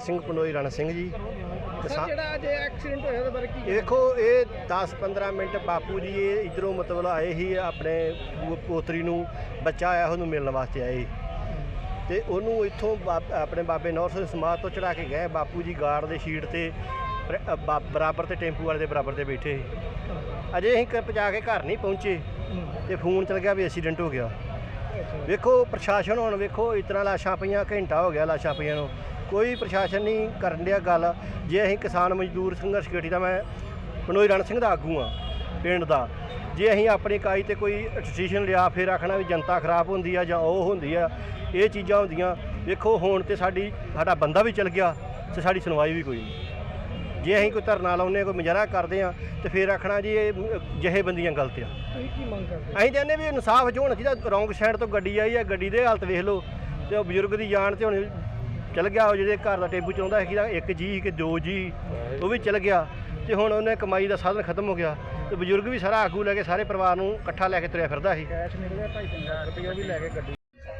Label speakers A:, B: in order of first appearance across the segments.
A: ਸਿੰਘ ਪੰਡੋਈ ਰਣ ਸਿੰਘ ਜੀ।
B: ਜਿਹੜਾ ਅੱਜ ਐਕਸੀਡੈਂਟ ਹੋਇਆ ਉਹਦੇ ਬਾਰੇ ਕੀ
A: देखो ये 10-15 मिनट बापू जी ये इधरों मतलब आए ही अपने पोतरी नूं बच्चा आया ਉਹਨੂੰ ਮਿਲਣ ਵਾਸਤੇ ਆਏ ਤੇ ਉਹਨੂੰ ਇੱਥੋਂ ਆਪਣੇ ਬਾਬੇ ਨੌਰ ਸਿੰਘ ਸਮਾਧ ਤੋਂ ਚੜਾ ਕੇ ਗਏ। ਬਾਪੂ ਜੀ ਗਾਰਡ ਦੇ ਸ਼ੀਟ ਤੇ ਬਰਾਬਰ ਤੇ ਟੈਂਪੂ ਵਾਲੇ ਦੇ ਬਰਾਬਰ ਤੇ ਬੈਠੇ ਅਜੇ ਅਸੀਂ ਪਹੁੰਚਾ ਕੇ ਘਰ ਨਹੀਂ ਪਹੁੰਚੇ ਤੇ ਫੋਨ ਚਲ ਗਿਆ ਵੀ ਐਕਸੀਡੈਂਟ ਹੋ ਗਿਆ। ਵੇਖੋ ਪ੍ਰਸ਼ਾਸਨ ਹੁਣ ਵੇਖੋ ਇਸ ਤਰ੍ਹਾਂ ਲਾਸ਼ਾਂ ਪਈਆਂ, ਘੰਟਾ ਹੋ ਗਿਆ ਲਾਸ਼ਾਂ ਪਈਆਂ ਨੂੰ, ਕੋਈ ਪ੍ਰਸ਼ਾਸਨ ਨਹੀਂ ਕਰਨ ਡਿਆ ਗੱਲ। ਜੇ ਅਸੀਂ ਕਿਸਾਨ ਮਜ਼ਦੂਰ ਸੰਘਰਸ਼ ਕਮੇਟੀ ਦਾ ਮੈਂ ਪੰਡੋਈ ਰਣ ਸਿੰਘ ਦਾ ਆਗੂ ਹਾਂ ਪਿੰਡ ਦਾ, ਜੇ ਅਸੀਂ ਆਪਣੀ ਇਕਾਈ ਤੇ ਕੋਈ ਡਿਸੀਜਨ ਲਿਆ ਫਿਰ ਆਖਣਾ ਵੀ ਜਨਤਾ ਖਰਾਬ ਹੁੰਦੀ ਆ ਜਾਂ ਉਹ ਹੁੰਦੀ ਆ, ਇਹ ਚੀਜ਼ਾਂ ਹੁੰਦੀਆਂ। ਵੇਖੋ ਹੁਣ ਤੇ ਸਾਡਾ ਬੰਦਾ ਵੀ ਚਲ ਗਿਆ ਤੇ ਸਾਡੀ ਸੁਣਵਾਈ ਵੀ ਕੋਈ ਨਹੀਂ। ਜੇ ਅਸੀਂ ਕੋਈ ਧਰਨਾ ਲਾਉਂਦੇ ਕੋਈ ਮੁਜ਼ਾਹਰਾ ਕਰਦੇ ਹਾਂ ਤੇ ਫਿਰ ਆਖਣਾ ਜੀ ਇਹ ਜਿਹੇ ਬੰਦੀਆਂ ਗਲਤ ਆ।
B: ਕੀ ਮੰਗ ਕਰਦੇ?
A: ਅਸੀਂ ਕਹਿੰਦੇ ਵੀ ਇਨਸਾਫ ਜੋ ਹੋਣਾ ਚਾਹੀਦਾ। ਰੌਂਗ ਸਾਈਡ ਤੋਂ ਗੱਡੀ ਆਈ ਆ, ਗੱਡੀ ਦੇ ਹਾਲਤ ਵੇਖ ਲਓ ਤੇ ਉਹ ਬਜ਼ੁਰਗ ਦੀ ਜਾਨ ਤੇ ਹੁਣ ਚਲ ਗਿਆ। ਉਹ ਜਿਹੜੇ ਘਰ ਦਾ ਟੈਂਪੂ ਚਲਾਉਂਦਾ ਸੀ ਇੱਕ ਜੀ ਕਿ ਦੋ ਜੀ ਉਹ ਵੀ ਚਲ ਗਿਆ ਤੇ ਹੁਣ ਉਹਨੇ ਕਮਾਈ ਦਾ ਸਾਧਨ ਖਤਮ ਹੋ ਗਿਆ ਤੇ ਬਜ਼ੁਰਗ ਵੀ ਸਾਰਾ ਆਗੂ ਲੈ ਕੇ ਸਾਰੇ ਪਰਿਵਾਰ ਨੂੰ ਇਕੱਠਾ ਲੈ ਕੇ ਤੁਰਿਆ ਫਿਰਦਾ ਸੀ।
B: ਕੈਸ਼ ਨਿਕਲਿਆ 2.5 ਲੱਖ ਰੁਪਇਆ ਵੀ ਲੈ ਕੇ ਗੱਡੀ।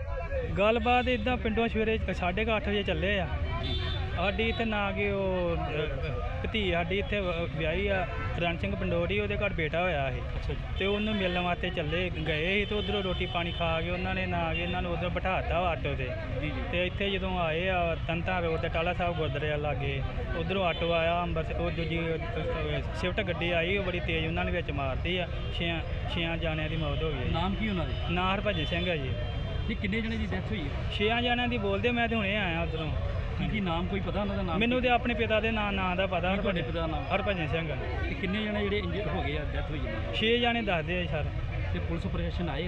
C: ਗੱਲਬਾਤ ਇਦਾਂ ਪਿੰਡੋਂ ਸਵੇਰੇ 8:30 ਵਜੇ ਚੱਲੇ ਆ। ਸਾਡੀ ਇੱਥੇ ਨਾ ਕਿ ਉਹ ਭਤੀ ਸਾਡੀ ਇੱਥੇ ਵਿਆਹੀ ਆ ਰਣ ਸਿੰਘ ਪੰਡੋਰੀ, ਉਹਦੇ ਘਰ ਬੇਟਾ ਹੋਇਆ ਸੀ ਤੇ ਉਹਨੂੰ ਮਿਲਣ ਵਾਸਤੇ ਚੱਲੇ ਗਏ ਸੀ ਤੇ ਉਧਰੋਂ ਰੋਟੀ ਪਾਣੀ ਖਾ ਕੇ ਉਹਨਾਂ ਨੇ ਨਾ ਕਿ ਇਹਨਾਂ ਨੂੰ ਉਧਰ ਬਿਠਾਤਾ ਆਟੋ ਤੇ ਇੱਥੇ ਜਦੋਂ ਆਏ ਆ ਤੰਤਾ ਰੋਡ ਤੇ ਟਾਲਾ ਸਾਹਿਬ ਗੁਰਦੁਆਰੇ ਲਾਗੇ ਉਧਰੋਂ ਆਟੋ ਆਇਆ ਅੰਬਰਸਰ, ਉਹ ਦੂਜੀ ਸ਼ਿਫਟ ਗੱਡੀ ਆਈ ਉਹ ਬੜੀ ਤੇਜ਼ ਉਹਨਾਂ ਨੇ ਵਿੱਚ ਮਾਰਤੀ ਆ। ਛੇ ਜਾਣਿਆਂ ਦੀ ਮੌਤ ਹੋ ਗਈ।
B: ਨਾਮ ਕੀ ਉਹਨਾਂ ਦੇ?
C: ਨਾਂ ਹਰਭਜਨ ਸਿੰਘ ਆ ਜੀ।
B: ਜੀ ਕਿੰਨੇ ਜਣੇ ਦੀ ਡੈਥ ਹੋਈ ਹੈ?
C: 6 ਜਾਣਿਆਂ ਦੀ ਬੋਲਦੇ, ਮੈਂ ਤੇ ਹੁਣੇ ਆਇਆ ਉਧਰੋਂ।
B: ਕੀ ਨਾਮ ਕੋਈ ਪਤਾ ਉਹਨਾਂ ਦਾ ਨਾਮ?
C: ਮੈਨੂੰ ਤੇ ਆਪਣੇ ਪਿਤਾ ਦੇ ਨਾਂ ਦਾ ਪਤਾ।
B: ਤੁਹਾਡੇ ਪਿਤਾ ਦਾ ਨਾਮ?
C: ਹਰਭਜਨ ਸਿੰਘ।
B: ਤੇ ਕਿੰਨੇ ਜਣੇ ਜਿਹੜੇ ਇੰਜਰਡ ਹੋ ਗਏ ਆ, ਡੈਥ ਹੋਈ ਹੈ?
C: 6 ਜਾਣੇ ਦੱਸਦੇ ਆ ਸਰ।
B: ਤੇ ਪੁਲਿਸ ਪ੍ਰਸ਼ਾਸਨ ਆਏ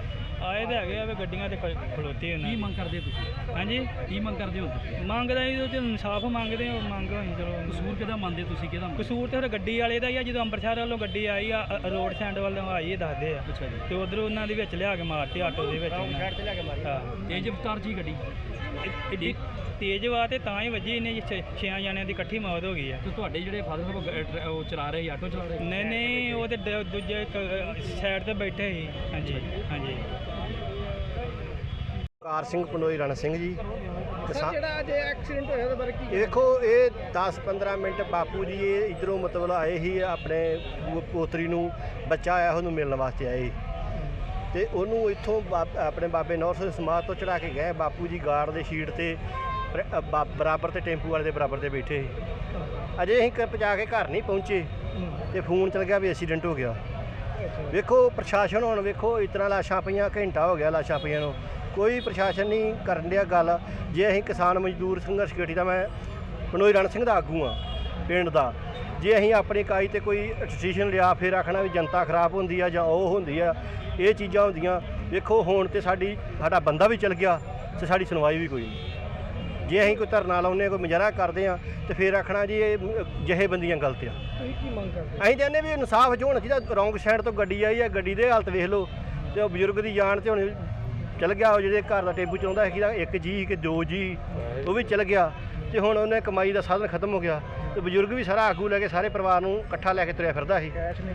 C: ਤੇ ਹੈਗੇ ਆ ਵੀ ਗੱਡੀਆਂ ਤੇ ਖਲੋਤੇ ਉਹਨਾਂ
B: ਕੀ ਮੰਗ ਕਰਦੇ ਤੁਸੀਂ?
C: ਹਾਂਜੀ
B: ਕੀ ਮੰਗ ਕਰਦੇ ਹੋ ਤੁਸੀਂ?
C: ਮੰਗਦਾ ਜੀ ਉਹ ਇਨਸਾਫ ਮੰਗਦੇ ਆ। ਮੰਗ ਹੋਈ ਚਲੋ।
B: ਕਸੂਰ ਕਿਹਦਾ ਮੰਨਦੇ ਤੁਸੀਂ? ਕਿਹਦਾ
C: ਕਸੂਰ ਤੇ ਫਿਰ ਗੱਡੀ ਵਾਲੇ ਦਾ ਹੀ ਆ। ਜਦੋਂ ਅੰਮ੍ਰਿਤਸਰ ਵੱਲੋਂ ਗੱਡੀ ਆਈ ਆ ਰੋਡ ਸਾਈਡ ਵੱਲੋਂ ਆਈ ਦੱਸਦੇ ਆ
B: ਅੱਛਾ ਜੀ।
C: ਤੇ ਉਧਰੋਂ ਉਹਨਾਂ ਦੇ ਵਿੱਚ ਲਿਆ ਕੇ ਮਾਰਤੀ ਆਟੋ ਦੇ ਵਿੱਚ। ਹਾਂ
B: ਤੇਜ਼ ਰਫ਼ਤਾਰ ਜੀ ਗੱਡੀ
C: ਐਡੀ ਤੇਜ਼ ਵਾ ਤੇ ਤਾਂ ਹੀ ਵੱਜੀ। ਇਹਨੇ 6 ਜਾਣਿਆਂ ਦੀ ਇਕੱਠੀ ਮੌਤ ਹੋ ਗਈ ਆ।
B: ਤੇ ਤੁਹਾਡੇ ਜਿਹੜੇ ਫਾਦਰ ਸਾਹਿਬ ਉਹ ਚਲਾ ਰਹੇ ਆਟੋ ਚਲਾ ਰਹੇ?
C: ਨਹੀਂ ਉਹ ਤੇ ਦੂਜੇ ਸਾਈਡ ਤੇ ਬੈਠੇ ਸੀ। ਹਾਂਜੀ ਹਾਂਜੀ।
A: ਕਾਰ ਸਿੰਘ ਪੰਡੋਈ ਰਣ ਸਿੰਘ ਜੀ।
B: ਜਿਹੜਾ ਅੱਜ ਐਕਸੀਡੈਂਟ ਹੋਇਆ ਉਹਦੇ ਬਾਰੇ ਕੀ?
A: ਦੇਖੋ ਇਹ 10-15 ਮਿੰਟ ਬਾਪੂ ਜੀ ਇਹ ਇਧਰੋਂ ਮਤਲਬ ਆਏ ਹੀ ਆਪਣੇ ਪੋਤਰੀ ਨੂੰ ਬੱਚਾ ਆਇਆ ਉਹਨੂੰ ਮਿਲਣ ਵਾਸਤੇ ਆਏ ਤੇ ਉਹਨੂੰ ਇੱਥੋਂ ਆਪਣੇ ਬਾਬੇ ਨੌਰ ਸਿੰਘ ਸਮਾਧ ਤੋਂ ਚੜਾ ਕੇ ਗਏ। ਬਾਪੂ ਜੀ ਗਾਰਡ ਦੇ ਸ਼ੀਟ ਤੇ ਬਰਾਬਰ ਤੇ ਟੈਂਪੂ ਵਾਲੇ ਦੇ ਬਰਾਬਰ ਤੇ ਬੈਠੇ ਅਜੇ ਅਸੀਂ ਪਹੁੰਚਾ ਕੇ ਘਰ ਨਹੀਂ ਪਹੁੰਚੇ ਤੇ ਫੋਨ ਚਲ ਗਿਆ ਵੀ ਐਕਸੀਡੈਂਟ ਹੋ ਗਿਆ। ਵੇਖੋ ਪ੍ਰਸ਼ਾਸਨ ਹੁਣ ਵੇਖੋ ਇਸ ਤਰ੍ਹਾਂ ਲਾਸ਼ਾਂ ਪਈਆਂ, ਘੰਟਾ ਹੋ ਗਿਆ ਲਾਸ਼ਾਂ ਪਈਆਂ ਨੂੰ, ਕੋਈ ਪ੍ਰਸ਼ਾਸਨ ਨਹੀਂ ਕਰਨ ਡਿਆ ਗੱਲ। ਜੇ ਅਸੀਂ ਕਿਸਾਨ ਮਜ਼ਦੂਰ ਸੰਘਰਸ਼ ਕਮੇਟੀ ਦਾ ਮੈਂ ਪੰਡੋਈ ਰਣ ਸਿੰਘ ਦਾ ਆਗੂ ਹਾਂ ਪਿੰਡ ਦਾ, ਜੇ ਅਸੀਂ ਆਪਣੀ ਇਕਾਈ ਤੇ ਕੋਈ ਡਿਸੀਜਨ ਲਿਆ ਫਿਰ ਆਖਣਾ ਵੀ ਜਨਤਾ ਖਰਾਬ ਹੁੰਦੀ ਆ ਜਾਂ ਉਹ ਹੁੰਦੀ ਆ, ਇਹ ਚੀਜ਼ਾਂ ਹੁੰਦੀਆਂ। ਵੇਖੋ ਹੁਣ ਤੇ ਸਾਡਾ ਬੰਦਾ ਵੀ ਚਲ ਗਿਆ ਤੇ ਸਾਡੀ ਸੁਣਵਾਈ ਵੀ ਕੋਈ ਨਹੀਂ। ਜੇ ਅਸੀਂ ਕੋਈ ਧਰਨਾ ਲਾਉਂਦੇ ਕੋਈ ਮੁਜ਼ਾਹਰਾ ਕਰਦੇ ਹਾਂ ਤੇ ਫਿਰ ਆਖਣਾ ਜੀ ਇਹ ਜਿਹੇ ਬੰਦੀਆਂ ਗਲਤ ਆ।
B: ਕੀ ਮੰਗ ਕਰਦੇ?
A: ਅਸੀਂ ਕਹਿੰਦੇ ਵੀ ਇਨਸਾਫ ਜੋ ਹੋਣਾ ਚਾਹੀਦਾ। ਰੌਂਗ ਸਾਈਡ ਤੋਂ ਗੱਡੀ ਆਈ ਆ, ਗੱਡੀ ਦੇ ਹਾਲਤ ਵੇਖ ਲਓ ਤੇ ਉਹ ਬਜ਼ੁਰਗ ਦੀ ਜਾਨ ਤੇ ਹੁਣ ਚਲ ਗਿਆ। ਉਹ ਜਿਹੜੇ ਘਰ ਦਾ ਟੈਂਪੂ ਚਲਾਉਂਦਾ ਸੀ ਇੱਕ ਜੀ ਕਿ ਦੋ ਜੀ ਉਹ ਵੀ ਚਲ ਗਿਆ ਤੇ ਹੁਣ ਉਹਨੇ ਕਮਾਈ ਦਾ ਸਾਧਨ ਖਤਮ ਹੋ ਗਿਆ ਤੇ ਬਜ਼ੁਰਗ ਵੀ ਸਾਰਾ ਆਗੂ ਲੈ ਕੇ ਸਾਰੇ ਪਰਿਵਾਰ ਨੂੰ ਇਕੱਠਾ ਲੈ ਕੇ ਤੁਰਿਆ ਫਿਰਦਾ ਸੀ।